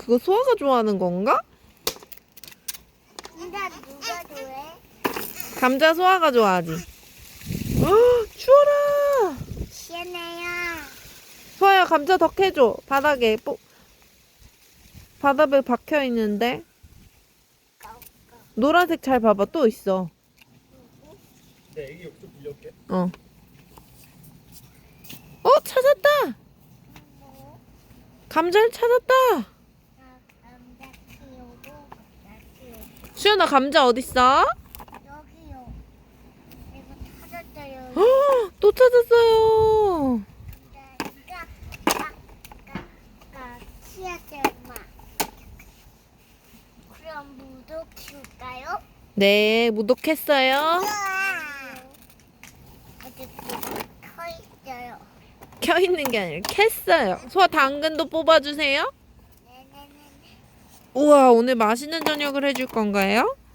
그거 소아가 좋아하는 건가? 감자 누가 좋아해? 감자 소아가 좋아하지. 추워라. 시원해요. 소아야 감자 더 캐줘. 바닥에 바닥에 박혀 있는데. 노란색 잘 봐봐. 또 있어. 내 애기 욕조 빌려올게. 찾았다. 감자를 찾았다. 감자 키우고 감자 키우고 수연아 감자 어딨어? 여기요. 이거 찾았어요. 또 찾았어요. 감자가 키웠어요, 엄마. 그럼 무도 키울까요? 네, 무독했어요. 아직 서 있어요. 켜있는 게 아니라 캤어요. 소아 당근도 뽑아주세요. 네네네. 우와, 오늘 맛있는 저녁을 해줄 건가요?